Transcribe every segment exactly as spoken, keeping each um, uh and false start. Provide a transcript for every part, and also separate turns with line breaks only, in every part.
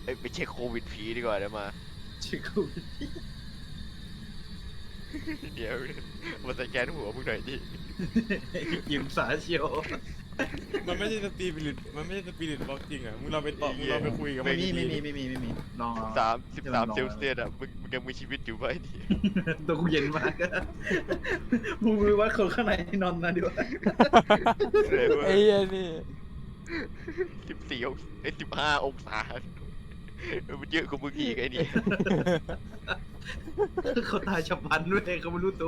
เอ้ยไปเช็คโควิดผีดีกว่าเดี๋ยวมา
เช็คกู
เดี๋ยวมาสแกนหัวมึงหน่อยดิ
ยิงสาเชียว
มันไม่ใช่สปิริตมันไม่ใช่สปิริตบล็อกจริงอ่ะมึงเราไปต่อมึงเราไปคุยกับ
ไม่
มัน
มี
ดี
ไม่มีไม่มีไม่มีลองลอง
สามสิบสามเซลเซียสอ่ะมึงมึงยังมีชีวิตอยู่ไหมดิ
ตัวกูเย็นมากมึงมือวัดคนข้างในนอนนะดิวะ
ไอ้เหี้ยนี่
สิบสี่องศาไอ้สิบห้าองศามันเยอะกว่ามึงอีกไอ้นี่
เขาตายฉับพลันด้วยเขาไม่รู้ตัว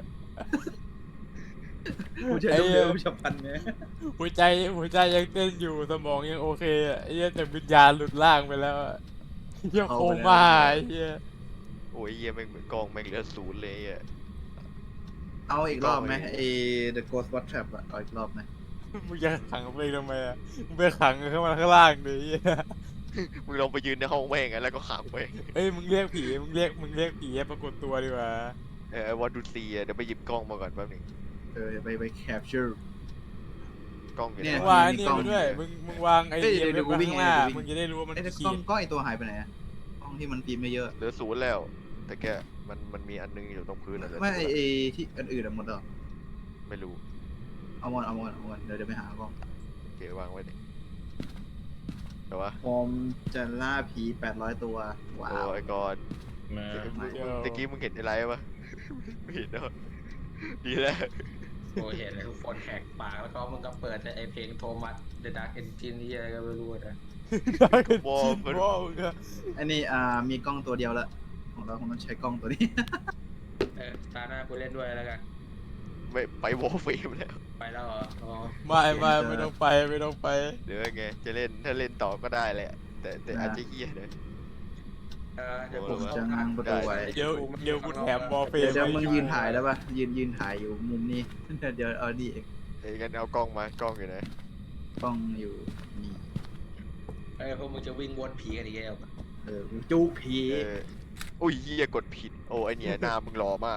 กูใช้เร็วๆฉับพลันไง
หัวใจหัวใจยังเต้นอยู่สมองยังโอเคอ่ะไอ้เหี้ยแต่วิญญาณหลุดล่างไปแล้วอะเหี้ยโคม่าไอ้เหี้ย
โอ้ยเยี่ยแม่งกองแม่งเหลือศูนย์เลยอ่ะ
เอาอีกรอบไหมไอ้ The Ghost Watch Trap อะเอาอีกรอบไหม
มึงจะขังไปทำไมอ่ะมึงไปขังเข้ามาข้างล่างดิไอ้เหี้ย
มึงลองไปยืนในห้องแม่งอะแล้วก็ขังแม่ง
เอ้ยมึงเรียกผีมึงเรียกมึงเรียกผีให้ปรากฏตัวดีกว่า
เออวันดูซีอะเดี๋ยวไปหยิบกล้องมาก่อนแป๊บนึง
เออไปไป capture
กล้องอยู่
เนี่
ไหน
มึง
ย
วางไอ้นี่มาด้วยมึงมึงวางไอ้
เอ้ย
เหี้ย
เดี๋ยวกู
ไว้
วิ่ง
ข้างหน้า
เดี๋ยวกูวิ่ง
มึงจะได้รู้ว่ามัน
ไอ้ก
ขี
ล้อง
ด
กล้องไอตัวหายไปไหนอะกล้องที่มันฟิล์มเยอะ
เหลือศูนย์แล้ว แต่แกมันมันมีอันนึงอยู่ตรงพื้นอะเหลื
ๆ
อ
ไม่ไอ
ศูนย์
ไอที่อันอื่นอะหมดแล้ว
ไม่รู้
เอาหมดเอาหมดเอาหมดเดี๋ยวเดี๋ยวไปหากล้อง
โอเควางไว้ดิแต่ว่า
ผมจะล่าผีแปดร้อยตัวว้า
โอ้
วย
ก่อน
มา
ตะกี้มึงเห็นอะไรปะไม่เห็นเนอะดีแล้ว
โอ้เห็นเลยทุกคนแหกปากแล้วก็มึงก็เปิดไอเพลงโทมัส The Dark Engine นี่อะไรก็ไม่รู้นะ
วอร์ม
วอลก็
อันนี้อ่ามีกล้องตัวเดียวละของเราคงต้องใช้กล้องตัวนี้
เออตาหน้ากูเล่นด้วยแล้วกัน
ไม่ไปวอร์เฟมแล้ว
ไปแล้วเหรออ๋อ
ไม่ไม่ไม่ต้องไปไม่ต้องไป
เดี๋ยวไงจะเล่นถ้าเล่นต่อก็ได้แหละ แต่แต่อาจจะเฮี้ยเลย
เออเดี๋ยว
ผมจะง้างประตูไว้
เดี๋ยวเดี๋ยวกูแถมบอลเฟ
เดี๋ยวเดี๋ยว
ไว้
มึงยืนถ่ายได้ปะยืนยืนถ่ายอยู่มุมนี้ เดี๋ยวเดี๋ยวเอาดีเอง
เอ้ยงั้นเอากล้องมากล้องอยู่ไหน
กล้องอยู่นี่
เออพวกมึงจะวิ่งวนผีกันอีกแล้ว
เออจูผี
เอออุ้ยเฮี้ยกดผิดโอ้ไอเนี่ยหน้ามึงหล่อมาก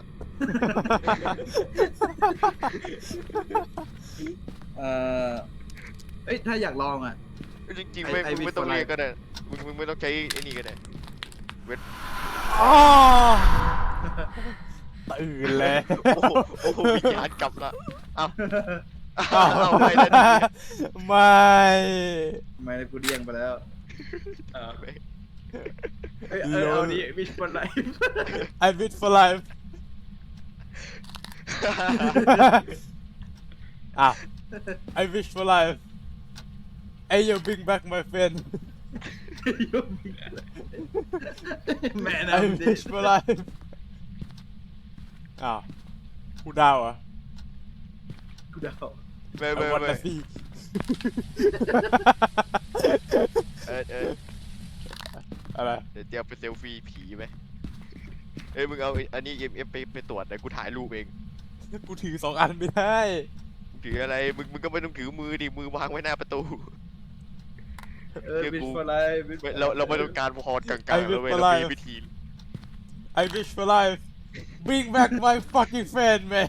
เออเอ้ยถ้าอยากลองอ่ะ
จริงๆไม่
ไอ้
มึงไม่ต้อง
ไอ้
เรียกก็ได้มึงมึงไม่ต้องใช้ไอ้นี่ก็ได้
อ๋อตื่นแล้ว
โอ้โหโอ้โหวิญญาณกลับละเอ้าเอ้าเอาไปแล้วดิ
ไม่
ไม่ได้กูเดี้ยงไปแล้ว
เออ
เอ้ยเอ้ยเอาดิวิชบอลไลฟ์
I bid for life อ่ะ I wish for life Hey you bring back my friend
แม่
I
น้ำดิ
wish for life อ้าวกูดาวอ่ะ
กูเดา
ไม่
I
ไม่
want
ไม่
to see
เออเออ
อะไร
เดี๋ยวเตรียมไปเซลฟี่ผีไหมเอ้ยมึงเอาอันนี้เอ็มเอ็มไปไปตรวจนะกูถ่ายรูปเอง
กูถือสองอันไม่ได้
มึงถืออะไรมึงมึงก็ไม่ต้องถือมือดิมือวางไว้หน้าประตู
เออวิชบอลไลฟ์
ไม่เราเราไม่ต้องการพรกลางๆเราเว้ยเรามีวิธี
I wish for life bring back my fucking friend man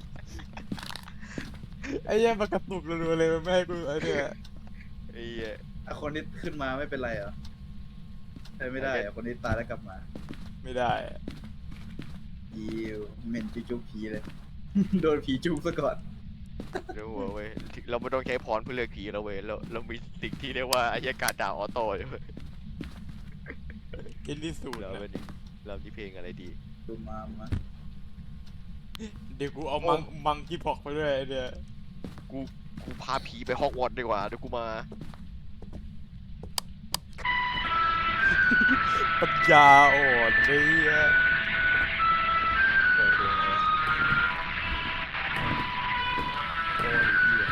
ไอ้เหี้ยมากระตุกรัวๆเลยมันไม่ให้กูไอ้เนี่ย
ไอ้เหี้ย
อ่ะคนที่ขึ้นมาไม่เป็นไรเหรอใช่ไม่ได้อ่ะคนที่ตายแล้วกลับมา
ไม่ได้
ยิวเหม็นจุกผีเลย โดนผีจุกซะก่อน
เดี๋ยวหัวเว้ยเราไม่ต้องใช้พรเพื่อเลือกผีเราเว้ยเราเรามีสิ่งที่เรียกว่าอายการดาวออโต้อยู่เว้ย
กินที่สุด
เรา
นะ
เป็นเราที่เพลงอะไรดี
ดูมามา
เดี๋ยวกูเอามังมังกี้พอกไปด้วยไอ้เนี่ย
กูกูพาผีไปฮอกวอตส์ดีกว่าเดี๋ยวกูมา
ปัญญาอ่อนเลยอะ
เปิดเพลงเลย
โอ้ยเหี้ย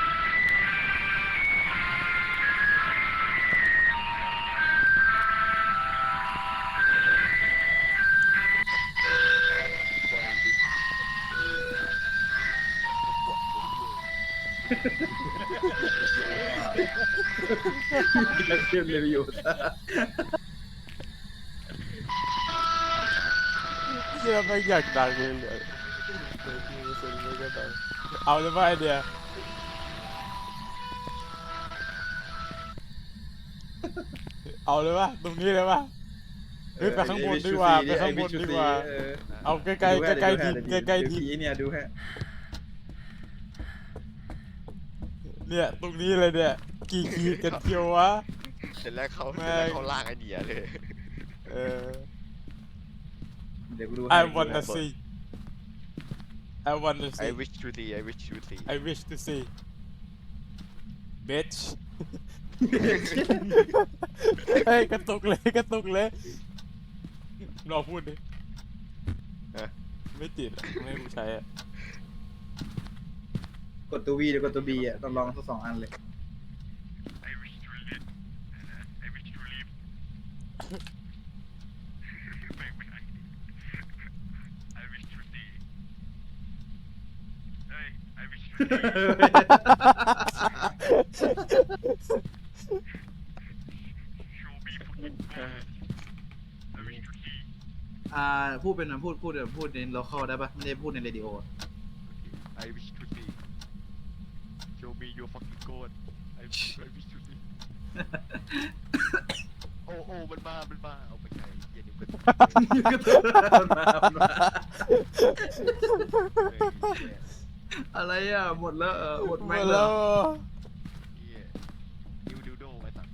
นักเชื่อมเลยอยู่
เชื่อไม่อยากดังเลยเลยเอาเลยว่าไอเดียเอาเลยวะตรงนี้เลยวะเฮ้ยไปข้างบนดีกว่าไปข้างบนดีกว่า
เออ
เอาใกล้ๆใกล้ใกล้ๆดินใกล้ใกล้ๆดิน
ผีเนี่ยดูฮะ
เนี่ยตรงนี้เลยเนี่ยกี่ขีดกันเที่ยววะ
เสร็จแล้วเขา
แม่
เสร็จ
ง
แล้วเขาลากไอเดียเลย
เออ
เดี๋ยวกูดู
I wanna see I wanna
I
see
wish to see I wish to see
I wish to see bitch เฮ้ยกระตุกเลยกระตุกเลยรอพูดดิ
ฮะ
ไม่ติดอะไม่ให้กูใช้อะ
กดตัววีหรือกดตัวบีอ่ะต้องลองทั้งสองอันเลย
I wish to live I wish to live ไม่ไม่ I wish to see เฮ้ย I wish to show me fucking I wish to see
อ่าพูดเป็นพูดพูดแบบพูดในโลคอลได้ปะไม่ได้พูดในเรดิโอ
I wish to see show me your fucking god I wish I wish to see โอ้โอ้มันมามันมาเอาไปใช้เย็นเกิน
มามาอะไรอ่ะหมดแล้วเออหมด
หม
แม็ก
ด
แล้
แล้ว ว
เหี้ยนิวดิวโดไว้ตัด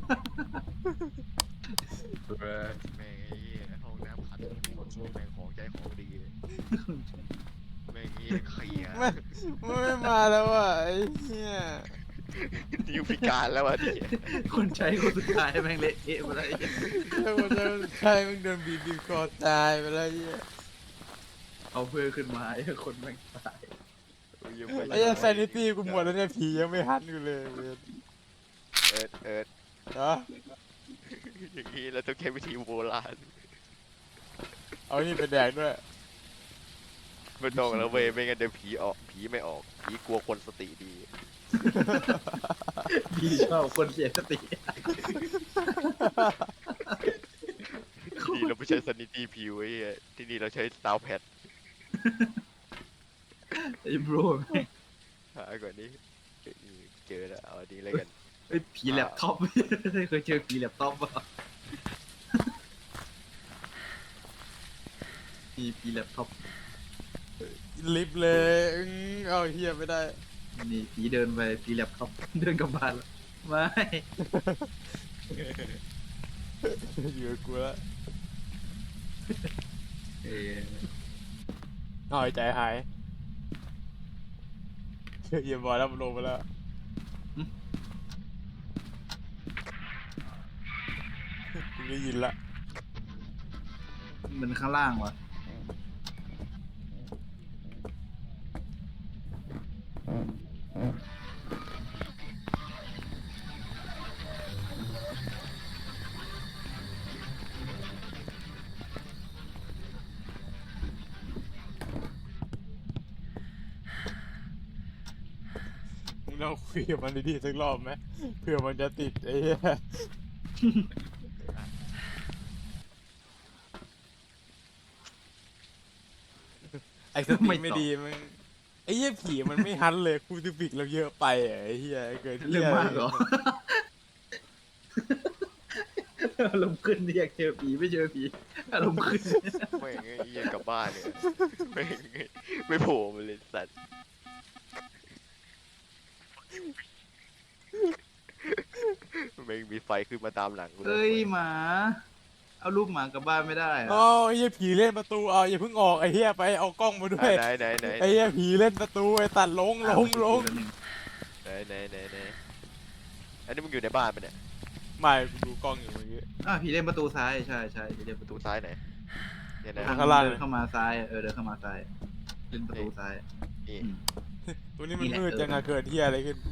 แม่งไอ้เหี้ยห้องน้ำขัดแม่งของใจของดีเลยแม่งเหี้ยเคลียร์
ไม่ไม่มาแล้วอ่ะไอ้เหี้ย
นิวพิการแล้วอ่ะดิ
คนใช้คนสุดท้ายแม่งเละเทะหมดเลย
ใช่คนจะใช่มึงเดินบีบบีบคอตายไปแล้วไอ้เหี้ย
เอาเพื่อขึ้นมาไอ้คนแม่งตาย
ไอ้เหี้ยซนิตี้กูหมดแล้วเนี่ยผียังไม่หันกูเลยเว้ย
เอิร์ดเอิร์ด
นะ
อย่างนี้เราต้องใช้วิธีโบราณ
เอานี่ไปแดกด้วย
ไม่ต้องแล้วเว้ยไม่งั้นเดี๋ยวผีออกผีไม่ออกผีกลัวคนสติดี
พี่ชอบคนเสียสติ
ที่นี่เราไม่ใช้ซันนิตี้พิวไอ้เหี้ยที่นี่เราใช้ซาวแพด
ไอ้บรแม่ง
หาก่อนนี้เจอแล้วเอาอันนี้เลยกัน
ไอ้ผีแล็ปท็อป เคยเจอผีแล็ปท็อปป่ะมีผีแล็ปท็อป
ลิฟต์เลยอื้อเอาเฮียไม่ได้
นี่ผีเดินไปผีแล็ปท็อป เดินกลับบ้านแล้วไม่
อยู่กับกูแล้ว
เออ
หายใจหายเยี่ยมบอยแล้วมันลงไปแล้วกูได้ยินละ
มันข้างล่างวะ
มึงต้องคุยกับมันดีๆสักรอบไหมเผื่อมันจะติดไอ้เหี้ยไอ้สติไม่ดีมันไอ้เหี้ยผีมันไม่ฮันเลยคูติฟิกเราเยอะไปอ่ะไอ้เหี้ยเกิน
เรื่องมากเหรอ อารมณ์ขึ้นอยากเจอผีไม่เจอผีอารมณ์ขึ้น
ไม่งไอ้เหี้ยกลับบ้านเนี่ยไม่งไม่โผล่มาเลยสัตว์ไม่งมีไฟขึ้นมาตามหลังกูเล
เอ้ยหมา เอารูปหมากลับบ้านไม่ได้อะ
อ๋อไอ้เหี้ยผีเล่นประตูเอาอย่าเพิ่งออกไอ้เหี้ยไปเอากล้องมาด้วย
ไหนไหนไหน
ไอ้เหี้ยผีเล่นประตูไอ้ตัดลงลงลง
ไหนไหนไหนไหนอันนี้มึงอยู่ในบ้านปะเนี่ย
ไม่กูดูกล้องอยู่เมื่อกี้
อ่ะผีเล่นประตูซ้ายใช่ใช่ผีเล่นประ
ประ
ตู
ตูซ้ายไหนเนี่ยนะ
ทาง
ข้างล่าง
เดินเข้ามาซ้ายเออเดินเข้ามาซ้ายเล่นประตูซ้าย
นี่
อืม
ตัวนี้มัน
นี่แหละ
มืด
เออ
จังอะเกิดเหี้ยอะไรขึ้น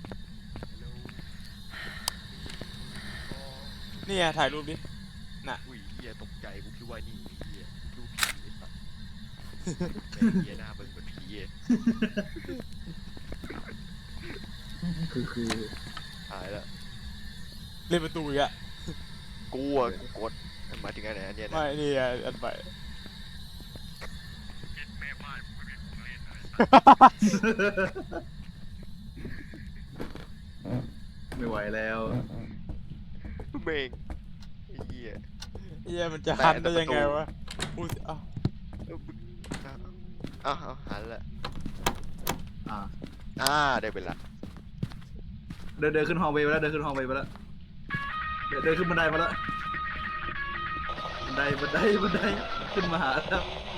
นี่ไงถ่ายรูปดิน่ะ
อุ้ยเฮียตกใจกูคิดว่านี่เฮียดูผีไอ้สัตว์แม่งเฮียหน้าเบิ่งเหมือนผี
คือคือ
ตายแล้ว
เล่นประตูอีกอะ
กูอะกูกดหมายถึงอันไหนอันเนี้ยนะ
ไม่นี่อะอันใหม่
ไม่ไหวแล้ว
เมงไอ้เหี้ย
เฮียมันจะหันได้ยังไงวะอุ้ยเอ้า
อ้าวอ้าวหันละ
อ่า
อ่าได้เวลา
เดินเดินขึ้นฮอลล์เวย์ไปแล้วเดินขึ้นฮอลล์เวย์ไปแล้วเดินเดินขึ้นบันไดมาแล้วบันไดบันไดบันไดขึ้นมาหาแล้ว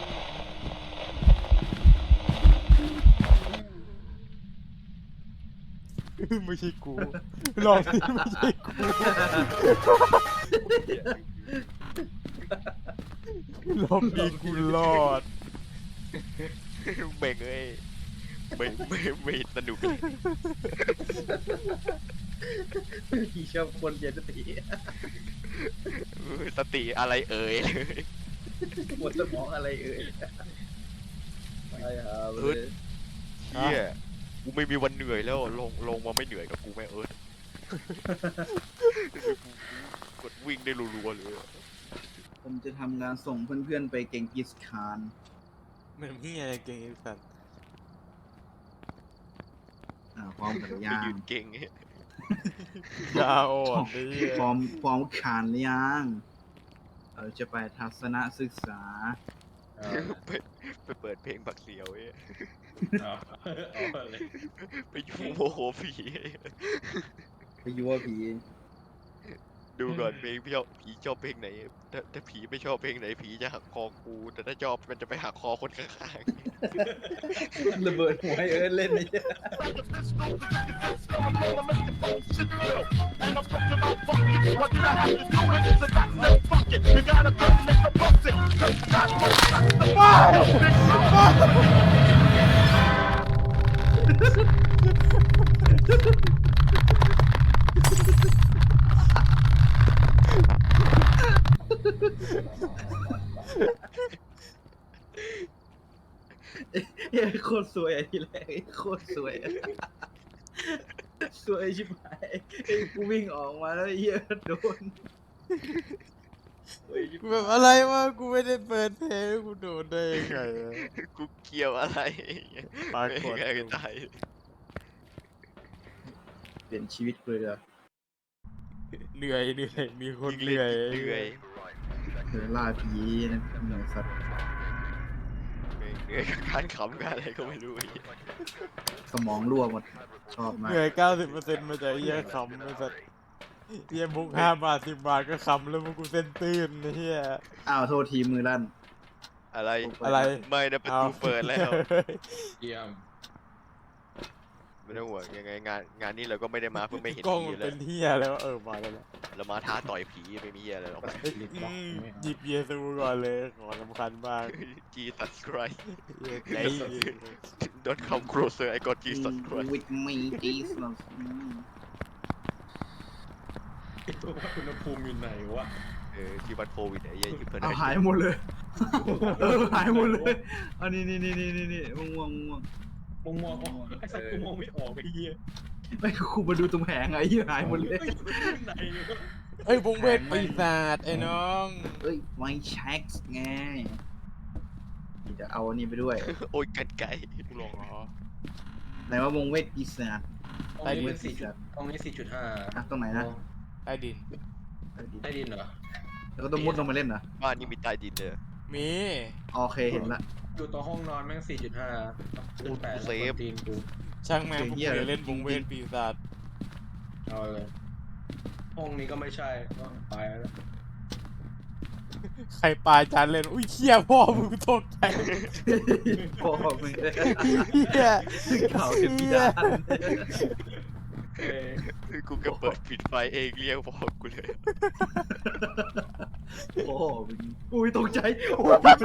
ไม่ใช่กูลองสิไม่ใช่กูรอบนี้กูรอด
เบ่งเอ้ยไม่ไม่ไม่สนุกเลย
พี่ชอบคนเย็นสติ
สติอะไรเอ่ยเลย
หมดสมองอะไรเอ่ยไปหาเลย
เฮียกูไม่มีวันเหนื่อยแล้วลงลงมาไม่เหนื่อยกับกูแม่เอิร์ธกดวิ่งได้รัวๆเลย
ผมจะทำงานส่งเพื่อนๆไปเก่งกิสคาน
มันเฮียอะไรเก่งไอ้สัตว์
อ่าพร้อมกับ
ไป
ย่า
ยื
ง
นเก่ง
ยาอ่อนไอ้เหี้ย
พร้อมพร้อมคานหรือยังเราจะไปทัศนศึกษา
เอา
ไปไปเปิดเพลงบักเสียวเอ้ย
เอาเอาเลย
ไปยูโมโหผี
ไปยั่วผี
ดูก่อนเพลงพี่ชอบผีชอบเพลงไหนถ้าถ้าผีไม่ชอบเพลงไหนผีจะหักคอกูแต่ถ้าชอบมันจะไปหักคอคนข้าง
ระเบิดหัวให้เอิร์ธเล่นนี่ เฮ้ยโคตรสวยอ่ะทีแรกโคตรสวยอะสวยชิบหายไอ้กูวิ่งออกมาแล้วไอ้เหี้ยโดนสวยชิบ
กู
หาย
แบบอะไรวะกูไม่ได้เปิดเพลงกูโดนได้ยังไงอะ
ๆกูเกี่ยวอะไร
ปรากฏ
ไม่ไงตาย
เปลี่ยนชีวิตกูเลยเหรอ
เหนื่อยเหนื่อยมีคน
ยิ่ง
เห
เล่
นื่อย
นยิ่งเหนื่อย
เดินล่าผีนะเหนื่อยสัตว์
เหนื่อยกับการขำกันอะไรก็ไม่รู้ไอ้เหี้ย
สมองรั่วหมดชอบมาก
เหนื่อยเก้าสิบเปอร์เซ็นต์มาจากไอ้เหี้ยคำไอ้สัตว์เหี้ยมุกห้าบาทสิบบาทก็คำแล้วมึงกูเส้นตื้นไอ้เหี้ย
อ้าวโทษทีมือลั่น
อะไร
อะไร
ไม่นะประตูเปิดแล้ว
เยี่ยม
ไม่ต้องห่วงยังไงงานงานนี้เราก็ไม่ได้มาเพื่อไม่เห็น
กล้อง
ผี
มัน
แล้
เป็
วน
เหี้ยแล้วเออมาแล้วนะ
เรามาท้าต่อยผีไม่มีเหี้ยอะไรหรอก
เอ้ยอืมหยิบเยซูก่อนเลยขอสำคัญมาก
จีสัสคราย
เหี้ยไหน
Don't come closer I got Jesus Christ
วิดมีจีสนะ
ว่าอุณหภูมิอยู่ไหนวะ
เออที่วัดโควิดไอ้เหี้ยอยู่เพื่อน
เอาหายหมดเลยเออหายหมดเลยอันนี้นี่นี่นี่นี่นี่ม่วงม่วง
มองมองไอ้สัตว์กูมองไม่ออกไอ้เหี้ย
ไม่กูมาดูตรงแผงไอ้เหี้ยหายหมดเลย
ไหนวะ
เอ้ยวงเวทปีศาจไอ้น้อง
เอ้ยไวเช็คไงจะเอาอันนี้ไปด้วย
โอ้ยกันไก่
กูลงเหรอ
ไหนว่าวงเวทปีศาจ
ตรงนี้มันสี่จุดตรงนี้สี่จุดห้า
อ่ะตรงไหนนะ
ใต้ดิน
ใต้ดินเหรอ
แล้วก็ต้องมุดลงมาเล่นนะ
บ้านนี้มีใต้ดินเลย
มี
โอเคเห็นละ
อยู่ตรงห้องนอนแม่งสี่จุดห้าคูณแปดแล้วตีนกู
ช่างแม่งพวกกูจะเล่นวงเวทปีศาจ
เอาเลยห้องนี้ก็ไม่ใช่ก็ไปแล้ว
ใครปลาจานเล่นอุ้ยเชี่ยพ่อมึงตกใจ
พ่อมึง
เหี้ย
เก่าเป็นพิดาน
เอ้ย
กูก็เปิดปิดไฟเองเรียกพอกูเลย
พ่อมึงอุ้ยตกใจโอ้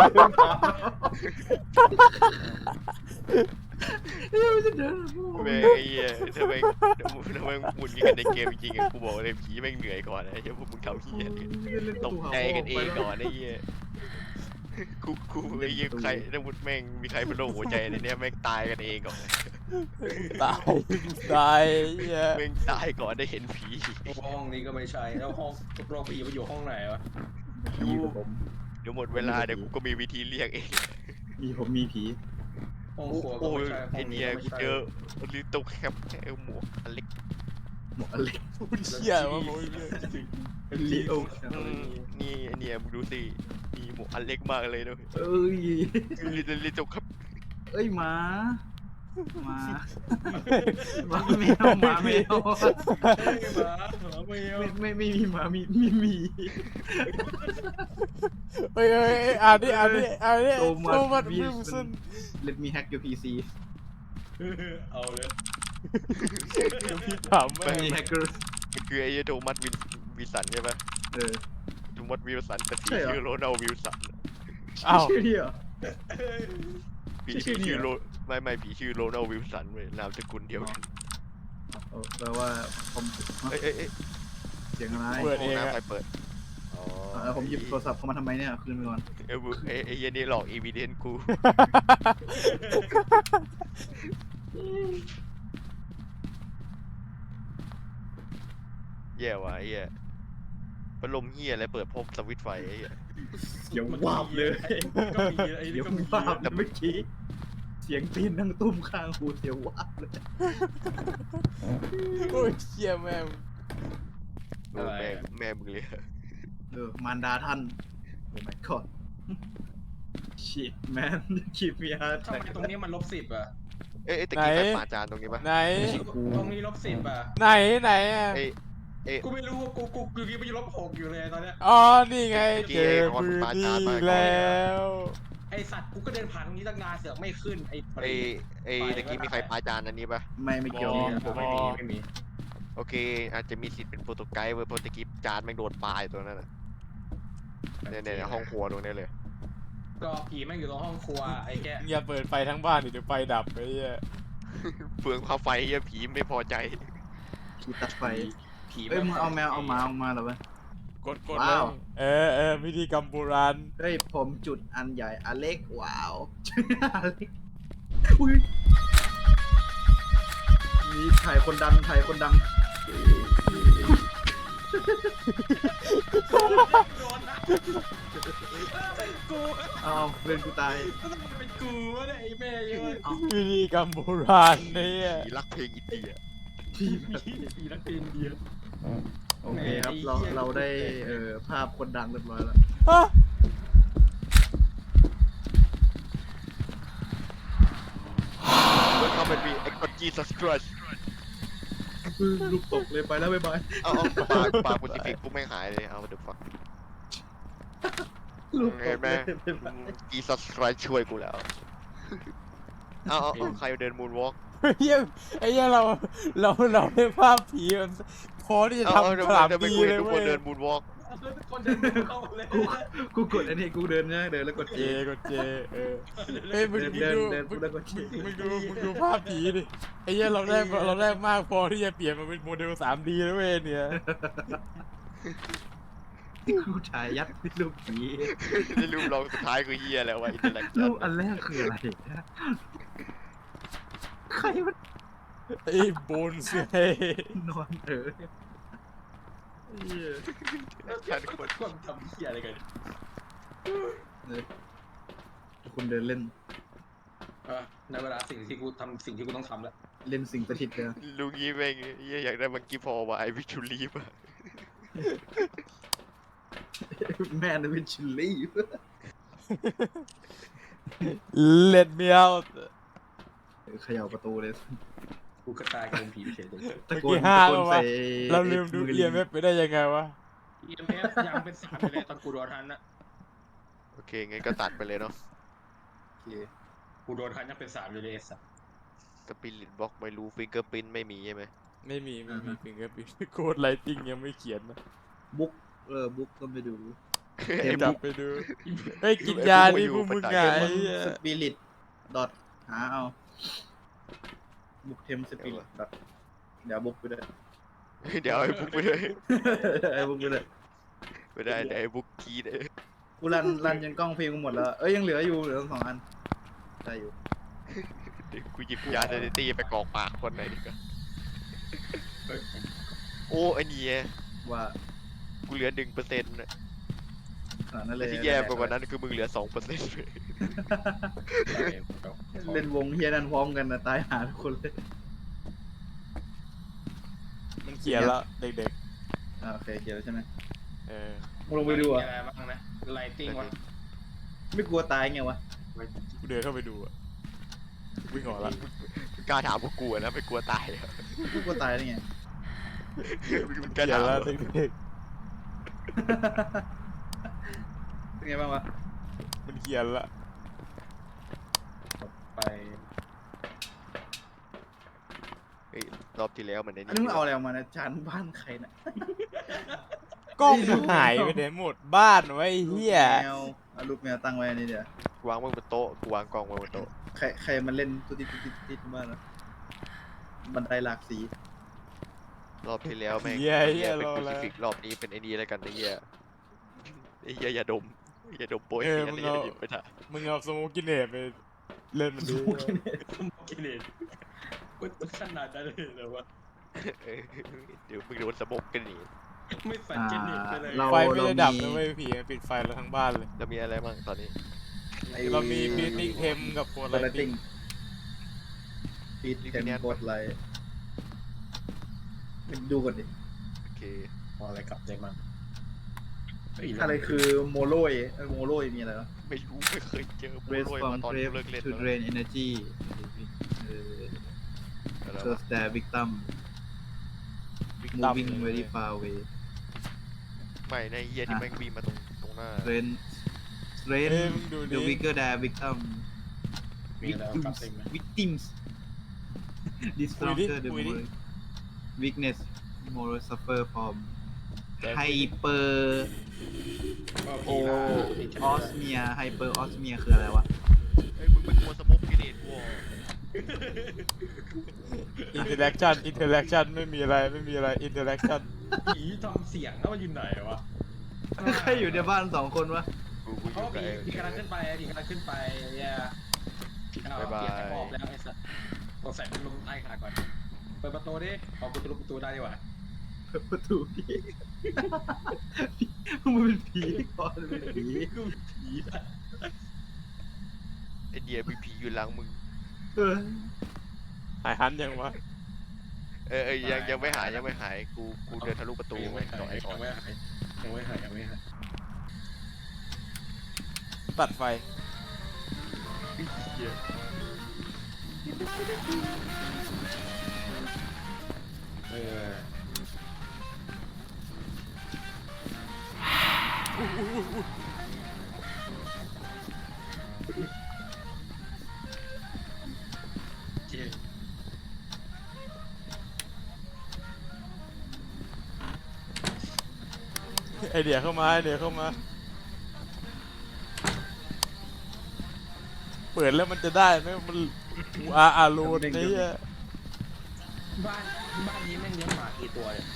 ยเฮ้ยมันจะเดินพ่อ
แม่งไอ้เหี้ยทำไมทำไมหมุนกันในเกมจริงๆอะกูบอกเลยผีแม่งเหนื่อยก่อนนะไอ้เหี้ยพวกมึงทำเหี้ยตกใจกันเองก่อนไอ้เหี้ยกูกูไอ้เหี้ยใครถ้ามุดแม่งมีใครเป็นโรคหัวใจในเนี้ยแม่งตายกันเองก่อน
ตายตายเหี้ย
แม่งตายก่อนได้เห็นผี
ห้องนี้ก็ไม่ใช่แล้วห้องโรงผีมันอยู่ห้องไหนวะ
ผีกับผม
เดี๋ยวหมดเวลาเดี๋ยวกูก็มีวิธีเรียกเอง
มีผมมีผี
ห้องครัวก็
โอ้ย
ไม่ใช่ห้
ไอ
องนี้
เนี่ย
ก็ไม่
กู
ใช่
เจอลิตเติ้ลแคปไอ้หมวกอันเล็ก
หมวกอเล็ก
พูดเชี่ยว่าโมยเลย
ลีโอ
อืมนี่ไอเนี่ยมึงดูสินี่หมวกอันเล็กมากเลยด้วย
เอ้ย
ลิตรลิตรครับ
เอ้ยหมาหมาหมาแมวหมาแมว
ไม่เอา
ไม่ไม่ไม่มีหมามีมีหมี
เฮ้ยเฮ้ยเฮ้ยอ่านดิอ่านดิอ่านดิ
โท
โท
มั
มั
ส
ส
วิ
วิ
ล
ล
สั
สั
น
น
Let me hack your พี ซี
เอาเลย
เดี๋ยวพี่ถาม
มั
แม่
น
ง
มีแฮกเกอร์
มันคือไอ้โทมัสวินวิลสันใช่ปะ
เออ
โทมัสวิลสันแต่ผี
ใช่เหรอ
ชื่อโรนัลวิลสัน
อ้าว
ชื่อนี่เหรอ
ผี
ชื่
ผี
อนี้
ชื่อ
เหร
โร
อ
ไม่ไม่ผีชื่อโรนัลวิลสันเว้ยนามสกุลเดียวกัน
เออแปลว่าผม
เอ้ยเอ้ยเอ้ย
เสียงอะไร
เปิด
ห้
เอ
อง
ง
น้ำ
อะ
ใครเปิดอ๋อ
เออผมหยิบโทรศัพท์เข้ามาทำไมเนี่ยคืนไปก่อน
เอ้ยไอ้ไอ้เหี้ยนี่หลอกอีวีเดนกู แย่ว่ะไอ้เหี้ยพัดลมเหี้ยอะไรเปิดพบสวิตช์ไฟไอ้เหี้ย
เสียงวาบเลย
ก็มีไอ้
เสี
นี่
ยง
ก็มี
วาบเลยเมื่อกี้เสียงตีนดังตุ้มข้างหูเสียงวาบเลย
โอ้ยเชี่ยแม่ง
โอ้แม่แม่มึงเลย
เออมารดาท่านโอ้ my god shit man keep me hard
ทำไมตรงนี้มันลบสิบอ่ะ
เอ้ยเอ้ยตะกี้ใครปาจานตรงนี้ปะ
ไหน
ตรงนี้ลบสิบอ่ะ
ไหนไหนอ่ะ
เอ้ยเอ้ย
กูไม่รู้กูกูกูคิดว่าจะลบหกอยู่เลยตอนเนี้ย
อ๋อนี่ไงเจอพื้นที่แล้ว
ไอสัตว์กูก็เดินผ่านตรงนี้ตั้งนานเสือกไม่ขึ้นไอ
เอ้ยเอ้ยตะกี้มีใครปาจานอันนี้ปะ
ไม่ไม่เกี่ยว
ผมไม่มีไม่มี
โอเค อาจจะมีสิทธิ์เป็นโปรโตไกด์เว้ยเพราะตะกี้จานแม่งโดนปลายตัวนั้นน่ะเนี่ยเนี่ยห้องครัวตรงนี้เลย
ก็ผีแม่งอยู่ตรงห้องครัวไอ้แก
อย่าเปิดไฟทั้งบ้านดิเดี๋ยวไฟดับไปเหี้ย
เปลืองค่าไฟเหี้ยผีไม่พอใจ
ผีตัดไฟ
ผี
เอ้ยมึงเอาแมวเอาหมาออกมาเหรอวะ
กดกด
ว้าว
เออเออพิธีกรรมโบราณ
เฮ้ยผมจุดอันใหญ่อเล็กว้าวอเล็กอุ้ยนี่ถ่ายคนดังถ่ายคนดัง
โดนนะเป็นกู
เอาเพื่อนกูตาย
เป็นกูวะเนี่ยไอ้แม่ยังไง
พิธีกรรมโบราณเนี่ย
ผีรักเพลงอินเดีย
ที่
ผีนักเรียนเดียว
โอเคครับเราเราได้เอ่อภาพคนดังเรียบร้อยแล้ว
ฮะ
เมื่อเขาเป็นมีไอ้กอจีซัสครัช
ลูกตกเลยไปแล้วบ๊ายบาย
เอาเอาปลาปลาปุติฟิกกูไม่งหายเลยเอาเดี๋ยวฟัง
ลูกต
เห็น
ก
ไหม
เลยบ๊ายบาย
จีซัสครัชช่วยกูแล้วเอาเอาเอาใครเดินมูนวอล์ก
เหี้ยไอ้เหี้ยเราเราเราได้ภาพผีมันพอที่จะ
เอาเอา
ทำ
เดี๋ยว
สาม
เดี๋ยวไป
ปี
คุย
เลย
ทุกค
เว้
น
ย
เดินมูนวอล์ก
คนเดินเข้าเลย
กูกูกดอันนี้กูเดินนะเดินแล้วกด
เจกดเจเออเอ้ยมึง
เดิน
มึง
เดิน
ดู
เดิน
มึง
แล้วกด
มึงดูมึงดูภาพผีดิไอ้เหี้ยเราได้เราได้มากพอที่จะเปลี่ยนมาเป็นโมเดล สามดีแล้วเว้ยเนี่ย
กูถ่ายยัดรูปผี
นี่รูปเราสุดท้ายคือเฮียแล้ววะอินเตอร์แลก
รูปอันแรกคืออะไรนะใครมัน
ไอ้โบนเซ่
นอนเออเหี้ย
ชันคน
คนทำเหี้ยอะไรกัน
เลยคุณเดินเล่น
เออในเวลาสิ่งที่กูทำสิ่งที่กูต้องทำแล้ว
เล่นสิ่งประทิดเลย
ลุงยี่แม่งเฮียอยากได้มังกี้พอว่ะไอวิชูลีฟอะ
แม่นวิชิลี่
เล็ดเมียว
เขย่าประตูเลย
กูก็ตายกันเป็นผีเฉยเลย
ตะ
เมื่อ
โกน
กี้ห้า
ตะโกน
แล้ววะ
ใส่
เราลืมดู
ไ
เอียมไปได้ยังไงวะ
อีเอ็มเอฟยังเป็นสามอยู่เลยตอนกูโดนทันนะ
โอเคงั้นก็ตัดไปเลยเนาะ
โอเค
กูโดนทันยังเป็นสามอยู่เลยไอ้สัส
สปิริตบล็อกไม่รู้ฟิงเกอร์พินไม่มีใช่ไหม
ไม่มีไม่มีฟิงเกอร์พิ้นโคดไลติงยังไม่เขียนนะ
บุ๊กเออบุ๊กก็ไปดู
ไอ้
จั
บุ๊
บ
ก
ไปดูเฮ้ยกินยาดิพวกมึงไง
เทมสปิริตดอทหาเอาบุ๊กเทมสปิริตดอทเดี๋ยวบุ๊กไปเลย
เดี๋ยวไอ้บุ๊กไปเลย
ไอ้บุ๊กไปเลย
ไม่ได้เดี๋ยวไอ้บุ๊กคีด
กูรันรันจนกล้องฟิล์มกูหมดแล้ว เอ้ยยังเหลืออยู่เหลือสองอันได้อยู่
เดี๋ยวกูหยิบยาเดนตี้ไปกรอกปากคนไหนดีกว่า
เฮ้ย
โอ้ไอ้นี่
ว่า
กูเหลือหนึ่งเปอร์เซ็นต์
ขนาดนั้นเลย
ที่แย่ไปกว่านั้นคือมึงเหลือสองเปอร์เซ็นต์
เล่นวงเฮียนั่นพร้อมกันนะตายหาทุกคนเลย
มันเขียนแล้วเด็ก
อ่าโอเคเขียนแล้วใช่ไหม
ๆเออ
มึงลงไปดูอ่ะ
อะไรบ้างนะไลติ้งวะ
ไม่กลัวตายไงวะ
กูเดินเข้าไปดูอะวิ่งออกละ
มึงกล้าถามพวกกูอะนะไม่กลัวตายเหรอ
ไม่กลัวตายได้ไง
มึงก
เขี
ล้าย
น
ถาม
แล้ว
เหรอ
เด็ก
เป็นไงบ้างวะ
ๆมันเขียนละ
ไป
เฮ้ยรอบที่แล้วมันใน
อันนี้มึงเอาอะไรออกมานะจานบ้านใครน่ะ
กล้องกูหายไปไหนหมดบ้านไว้ไอ้เฮีย
แมวเอาลูกแมวตั้งไว้อันนี้เดี๋ยว
กูวางไว้บนโต๊ะกูวางกล่องไว้บนโต๊ะ
ใครใครมันเล่นตุ๊ดติ๊ดตุ๊ดติ๊ดตุ๊ดติ๊ดบ้านวะบันไดหลากสี
รอบที่แล้วแม่ง
เฮีย
ไอ้
เฮี
เหี้
ย
ยเป็น
รอ
คู
แล้ว
ซิฟิกรอบนี้เป็นไอ้นี่แล้วกันไอ้เหี้ยไอ้เหี้ยอย่าดมอย่าดมโปรย
เออ
เสีย
มึ
น
ง
ไอ้
เอา
เหี้ยหยิบไปถ่าย
มึงเอาสโมกกินเนตไปเล่นมันดี
กินเองมันขนาดนั้นเลยเหรอวะ
เออเดี๋ยวมึงโดนสมบกันนี่
ไม่ฝัน
อ่า
กินเองไปเลย
เรา
ไฟไม่
เรา
ได้ดับ
มี
นะเว้ยผีมันปิดไฟแล้วทั้งบ้านเลย
แล้วมีอะไรบ้างตอนนี้
ไอ้
เรามีบีติ้งเทมกับโค
โค
ไล
ไล
ติ้
ติ้
ง
งปิดเทมกดไลท์ดูก่อนดิ
โอเค
เอาอะไรกลับใจมัน
อะไรคือโมโลยเอ้ยโมโลยมีอะไรวะ
ไม่รู้ไม่เคยเจอโปร
raise
ย
from
มาตอน
grave
กูเลิกเล่น
to
แล้ว
drain energy เออ
อะไร
so
วะ
stare victim
ตั้ม
moving very far away
ไม่ในะไอ้เหี้ยที่แม่งวิ่งมาตรงตรงหน้า
strain strain
เอ้ยมึงดู
the
ดิ
weaker the victim
มีอะไรเอากลับใจไหม
victims the stronger the more weakness more suffer from hyper
ก็
โอ
ผีละ
ออสเมียไฮเปอร์ออสเมียคืออะไรวะ
เฮ้ยมึงเป็นตัวสมบกิเลสวอ
อินเทอร์แอคชั่นอินเทอร์แอคชั่นไม่มีอะไรไม่มีอะไรอินเทอร์แอคชั่น
ผีทำเสียงแล้วมันอยู่ไหนวะ
ใครอยู่ในบ้านสองคนวะ
กูกูอ
เขา
ยู่กับ
ผี
ไอ้
ผีกำลังขึ้นไปผีกำลังขึ้นไปเนี่ยเอา
บ๊ายบาย
เกียร์จะออกแล้วไอ้สัสสงสัยมันลงใต้ขาก่อนเปิดประตูดิออกประตูประตูได้ดีกว่า
เปิดประตูดิมันเป็นผีก่อนมันเป็นผี
กูผีอะ
ไอ้เดียมีผีอยู่หลังมึง
เออ
หายหันยังวะ
เออเออยังยังไม่หายยังไม่หายกูกูเดินทะลุประตู
ยัง
ไป
ไม่หาย
ต่อไอ้ก่อน
ยังไม่หายยังไม่หายยังไม่หาย
ตัดไฟ
เออเจ๊
ไอเดียเข้ามาไอเดียเข้ามา เปิดแล้วมันจะได้ไหมมันอาอารูนนี่
บ้านบ้านนี้แม่งเลี้ยงหมากี่ตัวเนี่ย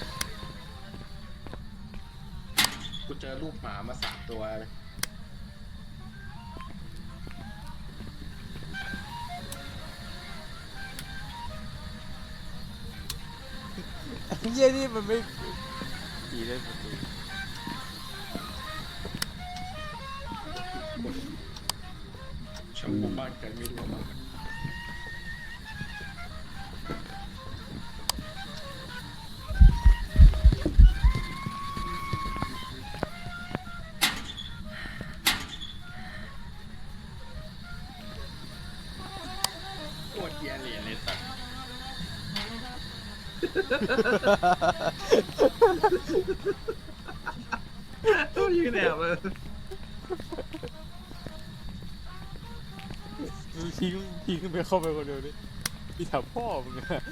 กูเจอลูกหมามาสามตัวเลย
เยี่ยนี่มันไม่ผีได้หมดเลย
ชาวบ้านกันไม่รู้มาโคตรเกียร์เหรียญเลยสัตว์
ต้องยืนแอบเลย
มึงทิ้งทิ้งไปเข้าไปคนเดียวดิพี่ถามพ่อมึงอะ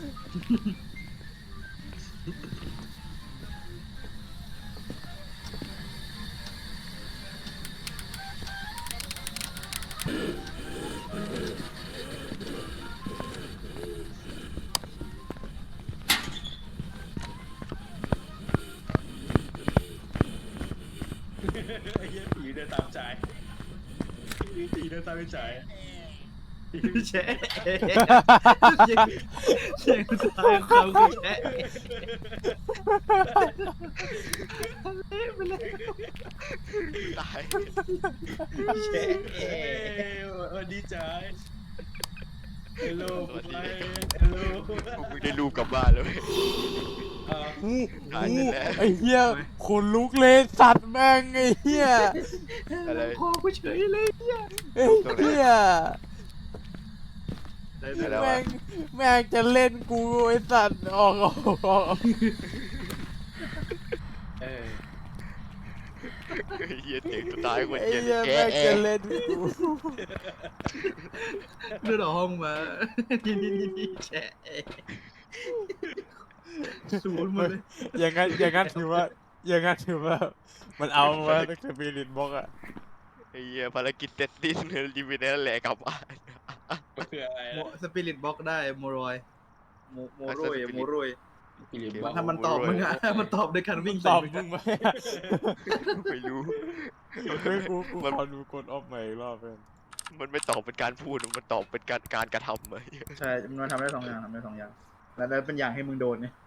ไอ้เหี้ยผีเดินตามใจผีเดินตามไปใจ
แชะเสียงเสียงสุดท้ายของเขาคือแชะเละไปเลย
ตาย
แชะ
เอ้ยวันดีใจ
ฮัลโหล
สวัสดี
ฮัลโหล
พวกมึงได้ลูกกลับบ้านแล้วเว้ย
เออ
อู้
ตายไป
อู้
แล้ว
ไอ้เหี้ยขนลุกเลยสัตว์แม่งไอ้เหี้ย
อะไร
คอกูเฉยเลย
ไอ้เหี้ย
ได้
อะไร
ไหม
วะ
แม่งแม่งจะเล่นกูไอ้สัตว์ออกออกออก
เออ
ไอ้เหี้ยเสียงสุดท้ายคน
ไอ้
เหี้ย
เหี้ย
แก
แม่ง
แอ
จะเล่นกู
เลือดออกห้องมานี่นี่นี่นี่แฉะศูนย์หมดเลย
อย่างงั้นอย่างงั้นถือว่าอย่างงั้นถือว่า มันเอาว่าตั้งแต่บีลินบอกอะ
ไอ้เหี้ยภารกิจเสร็จสิ้นรีวิวนั่นแหละกลับบ้าน
คืออะไร
โมสปิริตบล็อกได้โมรอยโมโมโรย
Spirit
โมโรย
ฟิลิป
มั
บอน ก
ถ้ามันตอบมึงอะมันตอบด้วยการวิ่ง
ต
ใส่
อบ
มึง
มึงไหม
ไม่รู้
เฮ้ยกูกู
มัน
ขอดูกดออฟใหม่อีกรอบเพื่อน
มันไม่ตอบเป็นการพูดมันตอบเป็นการการกระทำไอ้เหี้ย
ใช่ มันทำได้สองอย่างทำได้สองอย่าง แล้วแล้วเป็นอย่างให้มึงโดนเนี่ย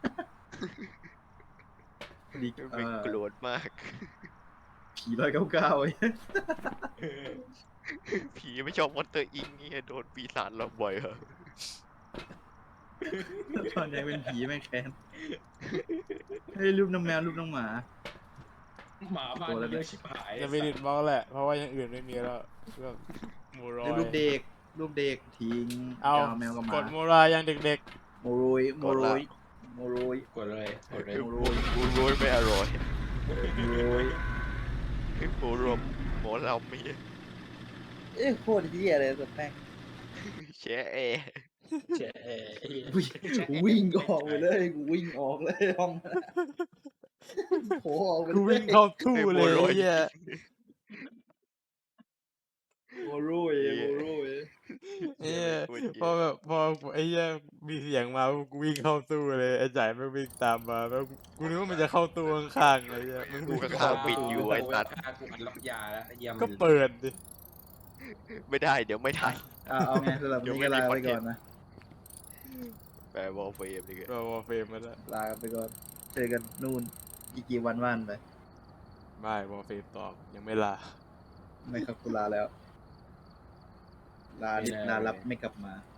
ดีเอ
เป็น
อ
โกรธมาก
ผีร้อยเก้าเก้าไอ้
ผีไม่ชอบมอนเตอร์อิงเนี่ยโดนปีศาจหลอกบ่อยเหรอ
ตอนนี้เป็นผีแม่งแค้นเฮ้ยรูปน้องแมวรูปน้องหมา
หมาบ้านเยอะชิบหาย
จะบีลินบอกแหละ เพราะว่าอย่างอื่นไม่มีแล้วเรื่องโมรอย
รูปเด็ก รูปเด็กทิ้ง
เอา
แมวกับห
ก
มา
ดโมรายยังเด็ก
โมโรยโมโรยโมโรย
กดเลยกดเลย
โมโรย
กูรู้ไม่อร่อย
โมโรย
หมูรวมหมอลำไม่
เอ้ยโคตรเหี้ยเลยสุดแม่ง
แช่แอร์
แฉะ
วิ่งออกไปเลยกูวิ่งออกเลยห้องนั้นโผล่ออกไป
ๆ
เล
กูวิ่
ย
งเข้าตู้เลยไอ้เหี้ย
โมโรยโมโรย
เอ้ยพอแบบพอไอ้เหี้ยมีเสียงมากูวิ่งเข้าตู้เลยไอ้จ่ายไม่วิ่งตามมาแล้วกูนึกว่ามันจะเข้าตู้ข้างๆเลยเหี้ยมัน
กู
วิ่ง
ก็
เข้า
ข้างปิดอยู่ไอ้สัตว์
กูอัดล็อกยาแล้วเยี่ยม
ก็เปิดดิ
ไม่ได้เดี๋ยวไม่ทัน
อ่ะเอาไงสำหรับวันนี้ก็ลาไปก่อนนะ
แปลวอลเฟรมนี่
ก็วอลเฟมมาแล้ว
ลาไปก่อนเจอกันนู่นอีกกี่วันว่านไป
ไม่วอลเฟมตอบยังไม่ลา
ไม่ครับกูลาแล้ว ลาลารับไม่กลับมา